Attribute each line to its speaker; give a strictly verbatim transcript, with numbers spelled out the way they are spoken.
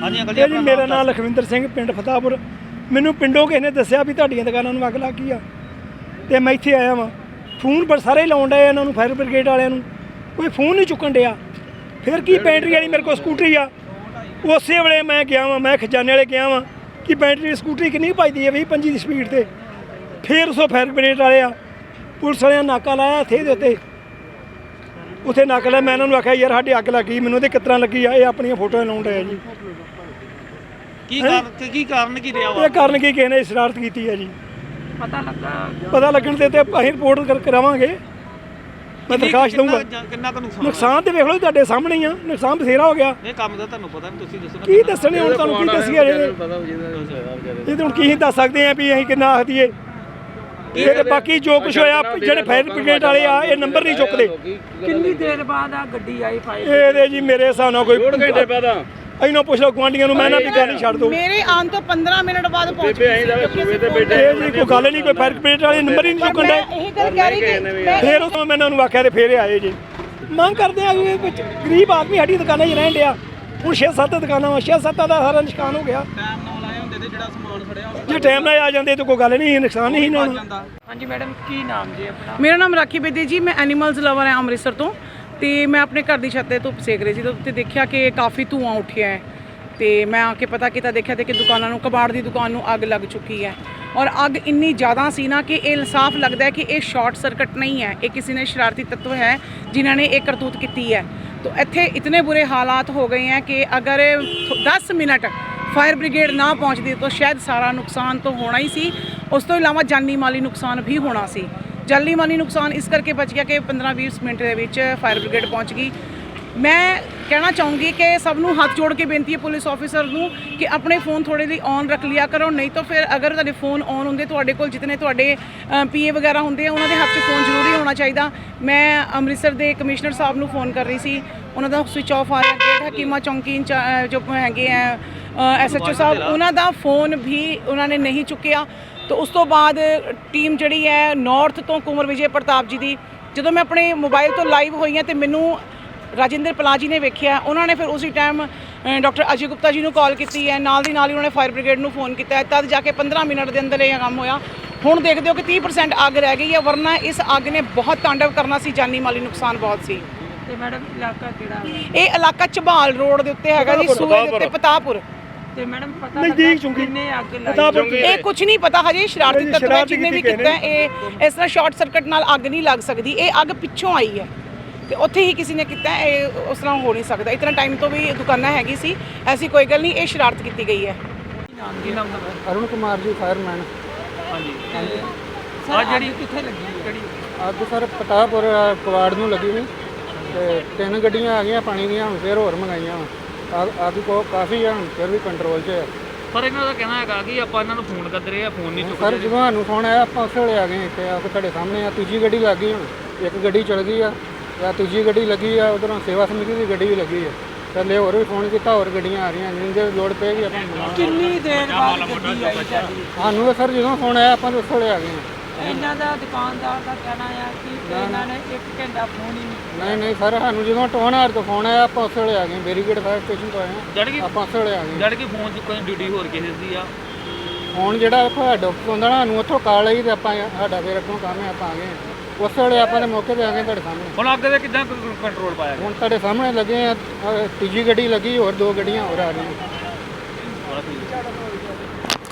Speaker 1: ਹਾਂਜੀ ਅੰਕਲ
Speaker 2: ਜੀ ਮੇਰਾ ਨਾਮ ਲਖਵਿੰਦਰ ਸਿੰਘ, ਪਿੰਡ ਫਤਾਪੁਰ। ਮੈਨੂੰ ਪਿੰਡੋਂ ਕਿਸੇ ਨੇ ਦੱਸਿਆ ਵੀ ਤੁਹਾਡੀਆਂ ਦੁਕਾਨਾਂ ਨੂੰ ਅੱਗ ਲੱਗ ਗਈ ਆ, ਤੇ ਮੈਂ ਇੱਥੇ ਆਇਆ ਵਾਂ। ਫੋਨ ਪਰ ਸਾਰੇ ਲਾਉਣ ਡਏ ਇਹਨਾਂ ਨੂੰ, ਫਾਇਰ ਬ੍ਰਿਗੇਡ ਵਾਲਿਆਂ ਨੂੰ, ਕੋਈ ਫੋਨ ਨਹੀਂ ਚੁੱਕਣ ਡਿਆ। ਫਿਰ ਕੀ ਬੈਟਰੀ ਵਾਲੀ ਮੇਰੇ ਕੋਲ ਸਕੂਟਰੀ ਆ, ਉਸੇ ਵੇਲੇ ਮੈਂ ਗਿਆ ਵਾਂ, ਮੈਂ ਖਜ਼ਾਨੇ ਵਾਲੇ ਗਿਆ ਵਾਂ ਕਿ ਬੈਟਰੀ ਸਕੂਟਰੀ ਕਿੰਨੀ ਭੱਜਦੀ ਹੈ, ਵੀਹ ਪੰਜੀ ਦੀ ਸਪੀਡ 'ਤੇ। ਫਿਰ ਉਸ ਫਾਇਰ ਬ੍ਰਿਗੇਡ ਵਾਲੇ ਆ, ਪੁਲਿਸ ਵਾਲਿਆਂ ਨਾਕਾ ਲਾਇਆ ਇੱਥੇ ਦੇ ਉੱਤੇ, ਉੱਥੇ ਨਾਕਾ ਲਾਇਆ। ਮੈਂ ਇਹਨਾਂ ਨੂੰ ਆਖਿਆ ਯਾਰ ਸਾਡੀ ਅੱਗ ਲੱਗੀ, ਮੈਨੂੰ ਉਹਦੇ ਕਿਸ ਤਰ੍ਹਾਂ ਲੱਗੀ ਆ, ਇਹ ਆਪਣੀਆਂ ਫੋਟੋਆਂ ਲਾਉਣ ਡਿਆ ਜੀ।
Speaker 1: ਕੀ ਕਾਰਨ ਕੀ ਕਾਰਨ ਕੀ ਰਿਹਾ ਵਾ?
Speaker 2: ਇਹ ਕਾਰਨ ਕੀ ਕਿਸੇ ਨੇ ਸ਼ਰਾਰਤ ਕੀਤੀ ਹੈ ਜੀ,
Speaker 3: ਪਤਾ ਲੱਗਾ
Speaker 2: ਪਤਾ ਲੱਗਣ ਦੇ ਤੇ ਅਸੀਂ ਰਿਪੋਰਟ ਕਰ ਕਰਾਵਾਂਗੇ। ਮੈਂ ਦਰਖਾਸਤ ਦਊਂਗਾ।
Speaker 1: ਕਿੰਨਾ ਕੁ ਨੁਕਸਾਨ
Speaker 2: ਨੁਕਸਾਨ ਤੇ ਵੇਖ ਲਓ ਤੁਹਾਡੇ ਸਾਹਮਣੇ ਹੀ ਆ, ਨੁਕਸਾਨ ਬਥੇਰਾ ਹੋ ਗਿਆ।
Speaker 1: ਇਹ ਕੰਮ ਦਾ ਤੁਹਾਨੂੰ ਪਤਾ ਨਹੀਂ, ਤੁਸੀਂ ਦੱਸੋ
Speaker 2: ਕੀ ਦੱਸਣੇ ਹੁਣ, ਤੁਹਾਨੂੰ ਕੀ ਦੱਸੀਏ ਇਹ ਤੇ ਹੁਣ ਕੀ ਦੱਸ ਸਕਦੇ ਆ ਵੀ ਅਸੀਂ ਕਿੰਨਾ ਆਖ ਦਈਏ। ਇਹ ਤੇ ਬਾਕੀ ਜੋ ਕੁਝ ਹੋਇਆ, ਜਿਹੜੇ ਫਾਇਰ ਬ੍ਰਿਗੇਡ ਵਾਲੇ ਆ ਇਹ ਨੰਬਰ ਨਹੀਂ ਚੁੱਕਦੇ।
Speaker 3: ਕਿੰਨੀ ਦੇਰ ਬਾਅਦ ਆ ਗੱਡੀ ਆਈ ਫਾਇਰ?
Speaker 2: ਇਹਦੇ ਜੀ ਮੇਰੇ ਹਿਸਾਬ ਨਾਲ ਕੋਈ ਡੇਢ ਘੰਟੇ ਬਾਅਦ ਇਹਨਾਂ ਪੁੱਛ ਲਓ ਗੁਆਂਢੀਆਂ ਨੂੰ, ਮੈਂ ਨਾ ਵੀ ਗੱਲ ਹੀ ਛੱਡ ਦੋ।
Speaker 4: ਮੇਰੇ ਆਉਣ ਤੋਂ ਪੰਦਰਾਂ ਮਿੰਟ ਬਾਅਦ ਪਹੁੰਚ ਗਏ।
Speaker 2: ਇਹ ਜੀ ਕੋਈ ਗੱਲ ਨਹੀਂ, ਕੋਈ ਫਾਇਰ ਬ੍ਰਿਗੇਡ ਵਾਲੇ ਨੰਬਰ ਹੀ ਨਹੀਂ ਚੁੱਕਣ ਦੇ।
Speaker 4: ਇਹੀ ਗੱਲ ਕਹਿ ਰਹੀ ਕਿ ਮੈਂ
Speaker 2: ਫਿਰ ਉਸ ਤੋਂ ਮੈਂ ਇਹਨਾਂ ਨੂੰ ਆਖਿਆ ਤੇ ਫਿਰ ਆਏ ਜੀ। ਮੰਗ ਕਰਦੇ ਆ ਵੀ ਵਿੱਚ ਗਰੀਬ ਆਦਮੀ ਸਾਡੀ ਦੁਕਾਨਾਂ 'ਚ ਰਹਿਣ ਡਿਆ। ਹੁਣ ਛੇ ਸੱਤ ਦੁਕਾਨਾਂ ਵਾ, ਛੇ ਸੱਤਾਂ ਦਾ ਸਾਰਾ ਨੁਕਸਾਨ ਹੋ ਗਿਆ।
Speaker 1: ਟਾਈਮ ਨਾਲ ਆਏ ਹੁੰਦੇ ਤੇ ਜਿਹੜਾ ਸਮਾਨ ਫੜਿਆ
Speaker 2: ਜੇ ਟਾਈਮ ਨਾਲ ਆ ਜਾਂਦੇ ਤਾਂ ਕੋਈ ਗੱਲ ਨਹੀਂ, ਨੁਕਸਾਨ ਨਹੀਂ ਸੀ ਹੋਣਾ।
Speaker 3: ਹਾਂਜੀ ਮੈਡਮ, ਕੀ ਨਾਮ ਜੀ ਆਪਣਾ?
Speaker 4: ਮੇਰਾ ਨਾਮ ਰਾਖੀ ਬੇਦੀ ਜੀ, ਮੈਂ ਐਨੀਮਲਸ ਲਵਰ ਹਾਂ ਅੰਮ੍ਰਿਤਸਰ ਤੋਂ। ਤੇ ਮੈਂ ਆਪਣੇ ਘਰ ਦੀ ਛੱਤ ਤੇ ਧੁੱਪ ਸੇਕ ਰਹੀ ਸੀ ਤਾਂ ਉੱਤੇ ਦੇਖਿਆ ਕਿ ਕਾਫੀ ਧੂਆਂ ਉੱਠਿਆ ਹੈ। ਤੇ ਮੈਂ ਆ ਕੇ ਪਤਾ ਕੀਤਾ, ਦੇਖਿਆ ਤੇ ਕਿ ਦੁਕਾਨਾਂ ਨੂੰ, ਕਬਾੜ ਦੀ ਦੁਕਾਨ ਨੂੰ ਅੱਗ ਲੱਗ ਚੁੱਕੀ ਹੈ। ਔਰ ਅੱਗ ਇੰਨੀ ਜ਼ਿਆਦਾ ਸੀ ਨਾ ਕਿ ਇਹ ਸਾਫ਼ ਲੱਗਦਾ ਹੈ ਕਿ ਇਹ ਸ਼ਾਰਟ ਸਰਕਟ ਨਹੀਂ ਹੈ, ਇਹ ਕਿਸੇ ਨੇ ਸ਼ਰਾਰਤੀ ਤੱਤਵ ਹੈ ਜਿਨ੍ਹਾਂ ਨੇ ਇਹ ਕਰਤੂਤ ਕੀਤੀ ਹੈ। तो इत्थे इतने बुरे हालात हो गए हैं कि अगर दस मिनट फायर ब्रिगेड ना पहुँचती तो शायद सारा नुकसान तो होना ही सी, उस तो इलावा जानी माली नुकसान भी होना सी। जानी माली नुकसान इस करके बच गया कि पंद्रह बीस मिनट के विच फायर ब्रिगेड पहुँच गई। मैं कहना चाहूँगी कि सबनों हाथ जोड़ के बेनती है पुलिस ऑफिसर नूं कि अपने फोन थोड़े जी ऑन रख लिया करो, नहीं तो फिर अगर तुहाडे फोन ऑन होंदे, तुहाडे कोल जितने तुहाडे पी ए वगैरह होंदे उन्हां दे हत्थ 'च फोन जरूरी होना चाहिए। मैं अमृतसर के कमिश्नर साहब नूं फोन कर रही सी, उन्हां दा स्विच ऑफ आ रहा। गेट हकीमा चौंकी जो हैगे हैं एस एच ओ साहब, उन्हां दा फोन भी उन्होंने नहीं चुकिया। तो उस तो बाद टीम जिहड़ी है नॉर्थ तो कुंवर विजय प्रताप जी की, जो मैं अपने मोबाइल तो लाइव हुई हैं तो मैनू राजिंदर पलाह जी ने वेख्या, उन्होंने फिर उसी टाइम डॉक्टर अजय गुप्ता जी को कॉल की है, नाल दी नाल ही उन्होंने फायर ब्रिगेड को फोन किया, तब जाके पंद्रह मिनट के अंदर यह काम होया। हुण देखते हो कि तीस परसेंट अग रह गई है, वरना इस अग ने बहुत तांडव करना सी, जानी माली नुकसान बहुत सी।
Speaker 3: ਤੇ ਮੈਡਮ ਇਲਾਕਾ ਕਿਹੜਾ?
Speaker 4: ਇਹ ਇਲਾਕਾ ਝਬਾਲ ਰੋਡ ਦੇ ਉੱਤੇ ਹੈਗਾ ਜੀ, ਸੂਏ ਦੇ ਉੱਤੇ ਪਤਾਪੁਰ।
Speaker 3: ਤੇ ਮੈਡਮ ਪਤਾ
Speaker 2: ਨਜ਼ਦੀਕ
Speaker 3: ਲੱਗਾ
Speaker 2: ਚੁੰਗੀ
Speaker 3: ਕਿੰਨੇ ਅੱਗ ਲਾਈ?
Speaker 4: ਇਹ ਕੁਝ ਨਹੀਂ ਪਤਾ ਹਜੇ, ਸ਼ਰਾਰਤੀ ਤੱਤਵਾਂ ਜਿੰਨੇ ਵੀ ਕੀਤਾ ਇਹ ਇਸ ਤਰ੍ਹਾਂ ਸ਼ਾਰਟ ਸਰਕਟ ਨਾਲ ਅੱਗ ਨਹੀਂ ਲੱਗ ਸਕਦੀ, ਇਹ ਅੱਗ ਪਿੱਛੋਂ ਆਈ ਹੈ ਤੇ ਉੱਥੇ ਹੀ ਕਿਸੇ ਨੇ ਕੀਤਾ, ਇਹ ਉਸ ਤਰ੍ਹਾਂ ਹੋ ਨਹੀਂ ਸਕਦਾ। ਇਤਨਾ ਟਾਈਮ ਤੋਂ ਵੀ ਦੁਕਾਨਾਂ ਹੈਗੀ ਸੀ, ਐਸੀ ਕੋਈ ਗੱਲ ਨਹੀਂ, ਇਹ ਸ਼ਰਾਰਤ ਕੀਤੀ ਗਈ ਹੈ।
Speaker 3: ਨਾਮ ਕੀ ਨਾਮ ਦਾ?
Speaker 5: ਅਰੁਣ ਕੁਮਾਰ ਜੀ, ਫਾਇਰਮੈਨ।
Speaker 1: ਹਾਂਜੀ
Speaker 3: ਆ ਜਿਹੜੀ ਕਿੱਥੇ ਲੱਗੀ ਕਿਹੜੀ?
Speaker 5: ਅੱਗ ਸਰ ਪਤਾਪੁਰ ਕਵਾੜ ਨੂੰ ਲੱਗੀ ਨਹੀਂ, ਤੇ ਤਿੰਨ ਗੱਡੀਆਂ ਆ ਗਈਆਂ ਪਾਣੀ ਦੀਆਂ, ਹੁਣ ਫਿਰ ਹੋਰ ਮੰਗਾਈਆਂ ਵਾ। ਅੱਗ ਕੋ ਕਾਫੀ ਆ, ਹੁਣ ਫਿਰ ਵੀ ਕੰਟਰੋਲ 'ਚ ਹੈ।
Speaker 1: ਪਰ ਇਹਨਾਂ ਦਾ ਕਹਿਣਾ ਹੈਗਾ ਕਿ ਆਪਾਂ ਇਹਨਾਂ ਨੂੰ ਫੋਨ ਕਰਦੇ ਰਹੇ ਆ, ਫੋਨ ਨਹੀਂ
Speaker 5: ਸਰ
Speaker 1: ਚੁੱਕਦੇ।
Speaker 5: ਜਦੋਂ ਸਾਨੂੰ ਫੋਨ ਆਇਆ ਆਪਾਂ ਉਸੇ ਵੇਲੇ ਆ ਗਏ ਇੱਥੇ, ਆ ਕੇ ਤੁਹਾਡੇ ਸਾਹਮਣੇ ਆ। ਤੀਜੀ ਗੱਡੀ ਲੱਗ ਗਈ, ਹੁਣ ਇੱਕ ਗੱਡੀ ਚਲ ਗਈ ਆ, ਜਾਂ ਤੀਜੀ ਗੱਡੀ ਲੱਗੀ ਆ, ਉਧਰੋਂ ਸੇਵਾ ਸਮਿਤੀ ਦੀ ਗੱਡੀ ਵੀ ਲੱਗੀ ਆ। ਥੱਲੇ ਹੋਰ ਵੀ ਫੋਨ ਕੀਤਾ, ਹੋਰ ਗੱਡੀਆਂ ਆ ਰਹੀਆਂ, ਜਿੰਨੇ ਲੋੜ ਪਏਗੀ ਆਪਾਂ ਮੰਗਾਵਾਂਗੇ।
Speaker 3: ਕਿੰਨੀ ਦੇਰ ਬਾਅਦ ਗੱਡੀ ਆਈ ਤੁਹਾਡੀ?
Speaker 5: ਸਾਨੂੰ ਸਰ ਜਦੋਂ ਫੋਨ ਆਇਆ ਆਪਾਂ ਉਸੇ ਵੇਲੇ ਆ ਗਏ।
Speaker 3: ਇਹਨਾਂ ਦਾ ਦੁਕਾਨਦਾਰ ਦਾ ਕਹਿਣਾ ਆ ਕਿ ਇਹਨਾਂ ਨੇ ਇੱਕ ਘੰਟਾ ਫੋਨ ਹੀ ਨਹੀਂ।
Speaker 5: ਨਹੀਂ ਨਹੀਂ ਸਰ, ਸਾਨੂੰ ਜਦੋਂ ਟੋਨਾਰ ਤੋਂ ਫੋਨ ਆਇਆ ਆਪਾਂ ਉਸੇ ਵੇਲੇ ਆ ਗਏ, ਬੈਰੀਗੇਡ ਫਾਇਰ ਸਟੇਸ਼ਨ ਤੋਂ ਆਏ
Speaker 1: ਜਦ
Speaker 5: ਹਾਂ,
Speaker 1: ਕਿ
Speaker 5: ਆਪਾਂ ਉਸੇ ਵੇਲੇ ਆ ਗਏ।
Speaker 1: ਜਦ ਕਿ ਫੋਨ ਚੁੱਕਣ ਦੀ ਡਿਊਟੀ ਹੋਰ ਕਿਸੇ ਦੀ ਆ।
Speaker 5: ਫੋਨ ਜਿਹੜਾ ਤੁਹਾਡਾ ਹੁੰਦਾ ਨਾ, ਸਾਨੂੰ ਉੱਥੋਂ ਕਾਲ ਆਈ ਤੇ ਆਪਾਂ ਸਾਡਾ ਫਿਰ ਅੱਗੋਂ ਕੰਮ ਹੈ, ਆਪਾਂ ਆ ਗਏ ਉਸੇ ਵੇਲੇ, ਆਪਾਂ ਦੇ ਮੌਕੇ 'ਤੇ ਆ ਗਏ ਤੁਹਾਡੇ ਸਾਹਮਣੇ।
Speaker 1: ਹੁਣ ਅੱਗ ਦੇ ਕਿੱਦਾਂ ਕੰਟਰੋਲ ਪਾਇਆ?
Speaker 5: ਹੁਣ ਤੁਹਾਡੇ ਸਾਹਮਣੇ ਲੱਗੇ ਆ, ਤੀਜੀ ਗੱਡੀ ਲੱਗੀ, ਹੋਰ ਦੋ ਗੱਡੀਆਂ ਹੋਰ ਆ ਰਹੀਆਂ।
Speaker 1: ਬੜਾ ਠੀਕ।